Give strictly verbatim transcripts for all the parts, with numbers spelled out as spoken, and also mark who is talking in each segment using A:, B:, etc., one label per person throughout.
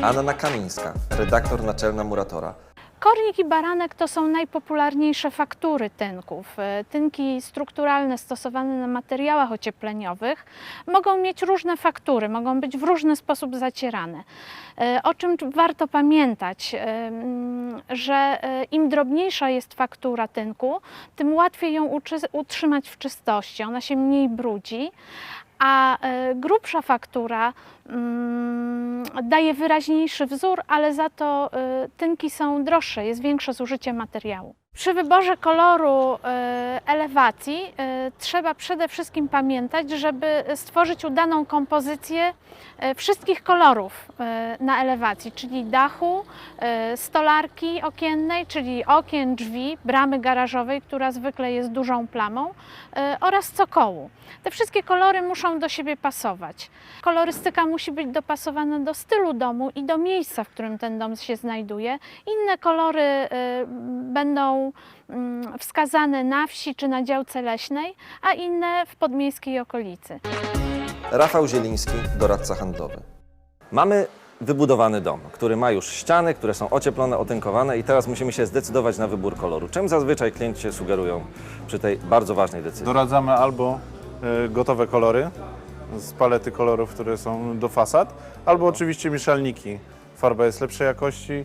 A: Anna Kamińska, redaktor naczelna Muratora.
B: Kornik i baranek to są najpopularniejsze faktury tynków. Tynki strukturalne stosowane na materiałach ociepleniowych mogą mieć różne faktury, mogą być w różny sposób zacierane. O czym warto pamiętać, że im drobniejsza jest faktura tynku, tym łatwiej ją utrzymać w czystości, ona się mniej brudzi. A grubsza faktura mm, daje wyraźniejszy wzór, ale za to y, tynki są droższe, jest większe zużycie materiału. Przy wyborze koloru y, elewacji y, trzeba przede wszystkim pamiętać, żeby stworzyć udaną kompozycję y, wszystkich kolorów y, na elewacji, czyli dachu, y, stolarki okiennej, czyli okien, drzwi, bramy garażowej, która zwykle jest dużą plamą, y, oraz cokołu. Te wszystkie kolory muszą do siebie pasować. Kolorystyka musi być dopasowana do stylu domu i do miejsca, w którym ten dom się znajduje. Inne kolory y, będą y, wskazane na wsi czy na działce leśnej, a inne w podmiejskiej okolicy.
A: Rafał Zieliński, doradca handlowy. Mamy wybudowany dom, który ma już ściany, które są ocieplone, otynkowane i teraz musimy się zdecydować na wybór koloru. Czym zazwyczaj klienci się sugerują przy tej bardzo ważnej decyzji?
C: Doradzamy albo y, gotowe kolory z palety kolorów, które są do fasad, albo oczywiście mieszalniki. Farba jest lepszej jakości,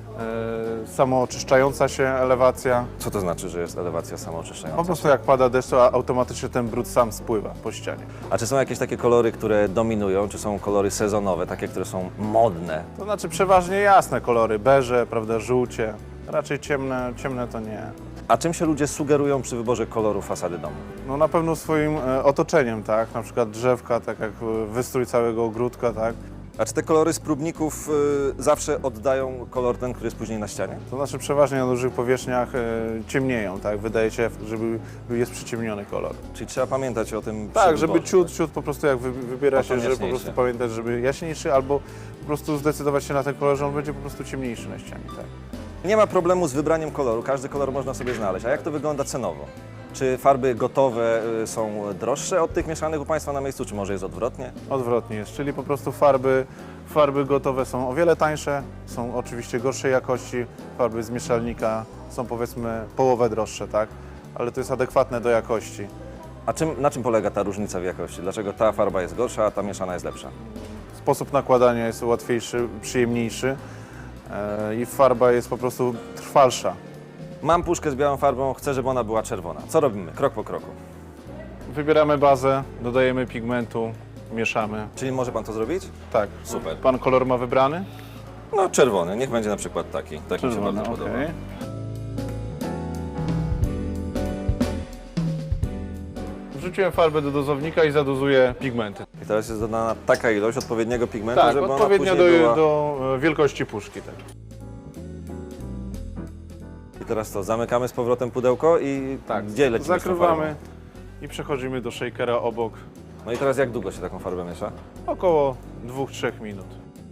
C: y, samooczyszczająca się elewacja.
A: Co to znaczy, że jest elewacja samooczyszczająca?
C: Po prostu jak pada deszcz, to automatycznie ten brud sam spływa po ścianie.
A: A czy są jakieś takie kolory, które dominują, czy są kolory sezonowe, takie, które są modne?
C: To znaczy przeważnie jasne kolory, beże, prawda, żółcie. Raczej ciemne, ciemne to nie.
A: A czym się ludzie sugerują przy wyborze koloru fasady domu?
C: No na pewno swoim e, otoczeniem, tak? Na przykład drzewka, tak jak e, wystrój całego ogródka, tak?
A: A czy te kolory z próbników y, zawsze oddają kolor ten, który jest później na ścianie?
C: To znaczy przeważnie na dużych powierzchniach e, ciemnieją, tak? Wydaje się, żeby jest przyciemniony kolor.
A: Czyli trzeba pamiętać o tym przy
C: Tak, żeby
A: wyborze,
C: ciut,
A: tak?
C: ciut po prostu jak wy, wybiera
A: O to
C: się, żeby po
A: jaśniejszy.
C: prostu pamiętać, żeby jaśniejszy albo po prostu zdecydować się na ten kolor, że on będzie po prostu ciemniejszy na ścianie, tak?
A: Nie ma problemu z wybraniem koloru, każdy kolor można sobie znaleźć. A jak to wygląda cenowo? Czy farby gotowe y, są droższe od tych mieszanych u Państwa na miejscu, czy może jest odwrotnie?
C: Odwrotnie jest, czyli po prostu farby, farby gotowe są o wiele tańsze, są oczywiście gorszej jakości, farby z mieszalnika są powiedzmy połowę droższe, tak? Ale to jest adekwatne do jakości.
A: A czym, na czym polega ta różnica w jakości? Dlaczego ta farba jest gorsza, a ta mieszana jest lepsza?
C: Sposób nakładania jest łatwiejszy, przyjemniejszy e, i farba jest po prostu trwalsza.
A: Mam puszkę z białą farbą, chcę, żeby ona była czerwona. Co robimy? Krok po kroku.
C: Wybieramy bazę, dodajemy pigmentu, mieszamy.
A: Czyli może Pan to zrobić?
C: Tak.
A: Super.
C: Pan kolor ma wybrany?
A: No czerwony, niech będzie na przykład taki. Taki mi się bardzo podoba.
C: okej. Wrzuciłem farbę do dozownika i zadozuję pigmenty.
A: I teraz jest dodana taka ilość odpowiedniego pigmentu,
C: Tak,
A: żeby ona
C: odpowiednio
A: później
C: do,
A: była...
C: do e, wielkości puszki. Tak.
A: I teraz to, zamykamy z powrotem pudełko i
C: Tak,
A: gdzie lecimy z tą
C: zakrywamy
A: farbą?
C: i przechodzimy do shakera obok.
A: No i teraz jak długo się taką farbę miesza?
C: Około dwóch do trzech minut.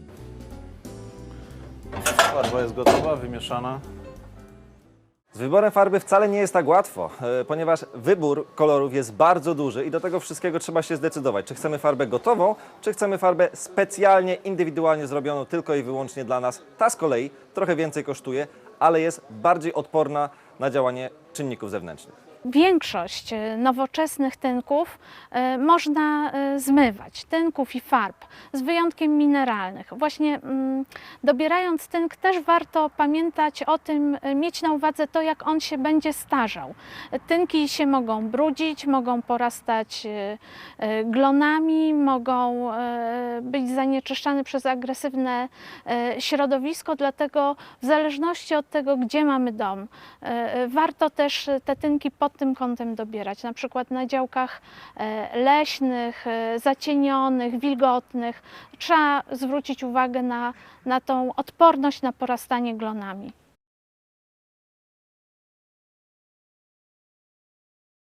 C: Farba jest gotowa, wymieszana.
A: Z wyborem farby wcale nie jest tak łatwo, e, ponieważ wybór kolorów jest bardzo duży i do tego wszystkiego trzeba się zdecydować, czy chcemy farbę gotową, czy chcemy farbę specjalnie, indywidualnie zrobioną tylko i wyłącznie dla nas. Ta z kolei trochę więcej kosztuje, ale jest bardziej odporna na działanie czynników zewnętrznych.
B: Większość nowoczesnych tynków y, można y, zmywać, tynków i farb, z wyjątkiem mineralnych. Właśnie mm, dobierając tynk też warto pamiętać o tym, y, mieć na uwadze to, jak on się będzie starzał. Tynki się mogą brudzić, mogą porastać y, y, glonami, mogą y, być zanieczyszczane przez agresywne y, środowisko, dlatego w zależności od tego, gdzie mamy dom, y, y, warto też te tynki pod tym kątem dobierać, na przykład na działkach leśnych, zacienionych, wilgotnych. Trzeba zwrócić uwagę na, na tą odporność na porastanie glonami.